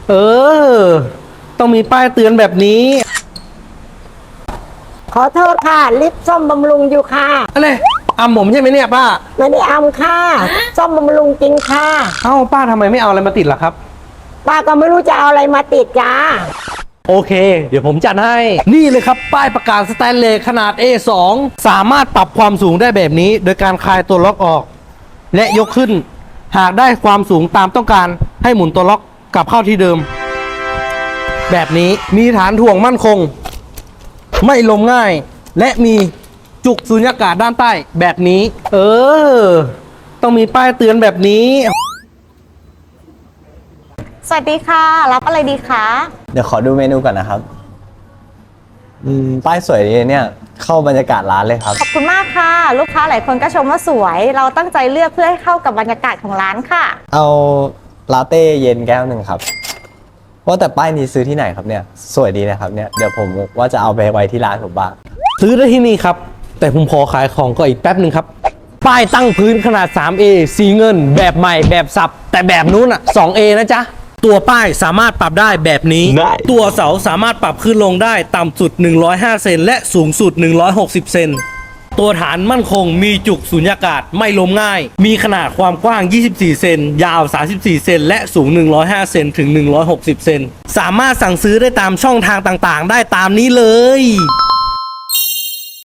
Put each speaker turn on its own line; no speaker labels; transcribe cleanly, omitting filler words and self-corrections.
เออ ต้องมีป้ายเตือนแบบนี้
ขอโทษค่ะลิปซ่อมบำรุงอยู่ค่ะ
อะไรอำผมใช่ไหมเนี่ยป้า
ไม่ได้เอาค่ะซ่อมบำรุงจริงค่ะ
เอ้าป้าทำไมไม่เอาอะไรมาติดล่ะครับ
ป้าก็ไม่รู้จะเอาอะไรมาติดจ้า
โอเค เดี๋ยวผมจัดให้ นี่เลยครับ ป้ายประกาศสแตนเลสขนาด A2 สามารถปรับความสูงได้แบบนี้ โดยการคลายตัวล็อกออก และยกขึ้น หากได้ความสูงตามต้องการให้หมุนตัวล็อกกลับเข้าที่เดิม แบบนี้มีฐานถ่วงมั่นคง ไม่ลมง่าย และมีจุกสุญญากาศด้านใต้แบบนี้ เออ ต้องมีป้ายเตือนแบบนี้
สวัสดีค่ะ รับอะไรดีคะ
เดี๋ยวขอดูเมนูก่อนนะครับป้ายสวยดีเนี่ยเข้าบรรยากาศร้านเลยครับ
ขอบคุณมากค่ะ ลูกค้าหลายคนก็ชมว่าสวย เราตั้งใจเลือกเพื่อให้เข้ากับบรรยากาศของร้านค่ะ
เอาลาเต้เย็นแก้วหนึ่งครับว่าแต่ป้ายนี้ซื้อที่ไหนครับเนี่ยสวยดีนะครับเนี่ยเดี๋ยวผมว่าจะเอาไปไว้ที่ร้านผมบ้าง
ซื้อได้ที่นี่ครับ แต่ผมขอขายของก็อีกแป๊บหนึ่งครับ ป้ายตั้งพื้นขนาด 3A สีเงิน แบบใหม่แบบสับ แต่แบบนู้นอ่ะ 2A นะจ๊ะ ตัวป้ายสามารถปรับได้แบบนี้ ตัวเสาสามารถปรับขึ้นลงได้ต่ำสุด 105 เซนและสูงสุด 160 เซน ตัวฐานมั่นคงมีจุกสุญญากาศไม่ล้มง่าย มีขนาดความกว้าง 24 เซน ยาว 34 เซน และสูง 105 เซนถึง 160 เซน สามารถสั่งซื้อได้ตามช่องทางต่างๆ ได้ตามนี้เลย